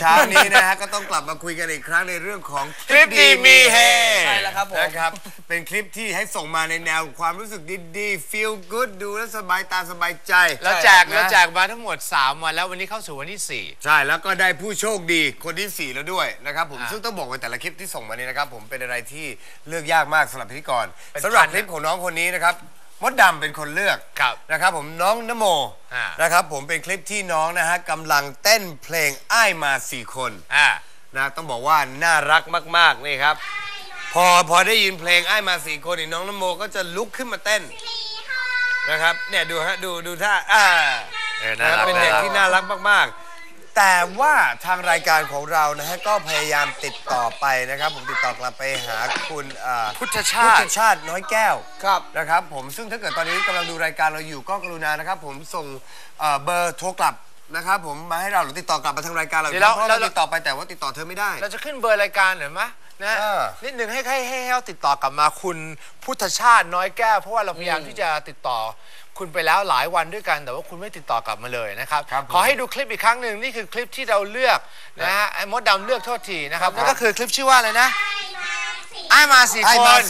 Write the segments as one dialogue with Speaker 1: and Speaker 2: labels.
Speaker 1: เช้านี้นะฮะก็ต้องกลับมาคุยกันอีกครั้งในเรื่องของ
Speaker 2: คลิปดีมีเฮ
Speaker 3: ใช่แล้วครับผม
Speaker 1: นะครับเป็นคลิปที่ให้ส่งมาในแนวความรู้สึกดีๆ feel good ดูแล้วสบายตาสบายใจ
Speaker 2: แล้วแจกมาทั้งหมด3 วันแล้ววันนี้เข้าสู่วันที่4
Speaker 1: ใช่แล้วก็ได้ผู้โชคดีคนที่4แล้วด้วยนะครับผมซึ่งต้องบอกว่าแต่ละคลิปที่ส่งมานี้นะครับผมเป็นอะไรที่เลือกยากมากสำหรับพิธีกรสำหรับคลิปของน้องคนนี้นะครับมดดำเป็นคนเลือกนะครับผมน้องนโมนะครับผมเป็นคลิปที่น้องนะฮะกำลังเต้นเพลงอ้ายมา4 คนนะต้องบอกว่าน่ารักมากๆนี่ครับพอได้ยินเพลงอ้ายมา4 คนนี่น้องนโมก็จะลุกขึ้นมาเต้นนะครับเนี่ยดูฮะดูท่าเป็นเด็กที่น่ารักมากๆแต่ว่าทางรายการของเรานะฮะก็พยายามติดต่อไปนะครับผมติดต่อกลับไปหาคุณพุทธชาติน้อยแก้วนะครับผมซึ่งถ้าเกิดตอนนี้กำลังดูรายการเราอยู่ก็กรุณานะครับผมส่งเบอร์โทรกลับนะครับผมมาให้เราหรือติดต่อกลับมาทางรายการเราเพราะเราติดต่อไปแต่ว่าติดต่อเธอไม่ได้
Speaker 2: เราจะขึ้นเบอร์รายการหน่อยไหมนะนิดหนึ่งให้เราติดต่อกลับมาคุณพุทธชาติน้อยแก้วเพราะว่าเราพยายามที่จะติดต่อคุณไปแล้วหลายวันด้วยกันแต่ว่าคุณไม่ติดต่อกลับมาเลยนะครับขอให้ดูคลิปอีกครั้งหนึ่งนี่คือคลิปที่เราเลือกนะฮะไอ้มดดำเลือกโทษทีนะครับนั่นก็คือคลิปชื่อว่าอะไรนะไอ้มา4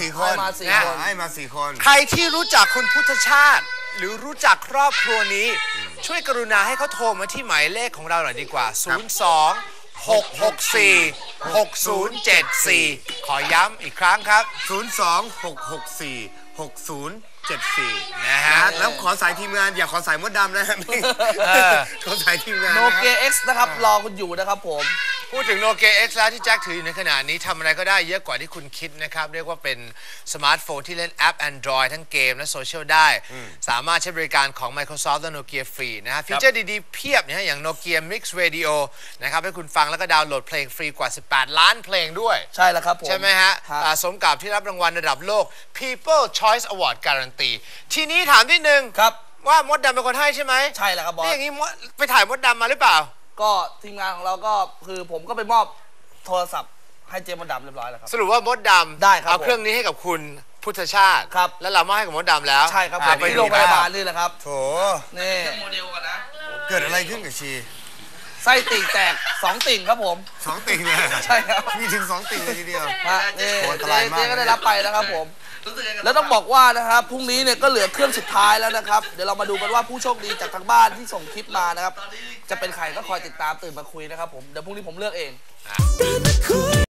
Speaker 2: คนใครที่รู้จักคุณพุทธชาติหรือรู้จักครอบครัวนี้ช่วยกรุณาให้เขาโทรมาที่หมายเลขของเราหน่อยดีกว่า02-664-6074ขอย้ำอีกครั้งครับ
Speaker 1: 02-664-6074นะฮะแล้วขอสายทีมงานอย่าขอสายมดดำนะขอสายทีมงาน
Speaker 3: โนเกีย X นะครับรอคุณอยู่นะครับผม
Speaker 2: พูดถึงโนเกีย X แล้วที่แจ็คถืออยู่ในขณะนี้ทำอะไรก็ได้เยอะกว่าที่คุณคิดนะครับเรียกว่าเป็นสมาร์ทโฟนที่เล่นแอป Android ทั้งเกมและโซเชียลได้สามารถใช้บริการของ Microsoft และ Nokia ฟรีนะฮะฟีเจอร์ดีๆเพียบนะฮะอย่าง Nokia Mix Radio นะครับให้คุณฟังแล้วก็ดาวน์โหลดเพลงฟรีกว่า18 ล้านเพลงด้วย
Speaker 3: ใช่แล้วครับผม
Speaker 2: ใช่ไหมฮะสมกับที่รับรางวัลระดับโลก People Choice Award การันตีทีนี้ถามนิดนึงว่ามดดำเป็นคนให้ใช่ไหม
Speaker 3: ใช่แล้วครับบอส
Speaker 2: นี่อย่างนี้ไปถ่ายมดดำมาหรือเปล่า
Speaker 3: ก็ทีมงานของเราก็คือผมก็ไปมอบโทรศัพท์ให้เจมมดดำเรียบร้อยแล้วครับ
Speaker 2: สรุปว่ามดดำ
Speaker 3: ได้ครับ
Speaker 2: เอาเครื่องนี้ให้กับคุณพุทธชาติ
Speaker 3: ครับ
Speaker 2: แล้วเรามอบให้กับมดดำแล้ว
Speaker 3: ใช่ครับไปโรงพยาบาลนี่แหละครับ
Speaker 1: โถ
Speaker 3: นี่
Speaker 1: โมเดลกันนะเกิดอะไรขึ้นกับชี
Speaker 3: ไส้ติ่งแตก2 ติ่งครับผม
Speaker 1: 2 ติ่งเลย
Speaker 3: ใช่ครับ
Speaker 1: มีถึง2 ติ่งเลยทีเดียว
Speaker 3: นี่เจ๊ก็ได้รับไปนะครับผมแล้วต้องบอกว่านะครับพรุ่งนี้เนี่ยก็เหลือเครื่องสุดท้ายแล้วนะครับเดี๋ยวเรามาดูกันว่าผู้โชคดีจากทางบ้านที่ส่งคลิปมานะครับจะเป็นใครก็คอยติดตามตื่นมาคุยนะครับผมเดี๋ยวพรุ่งนี้ผมเลือกเอง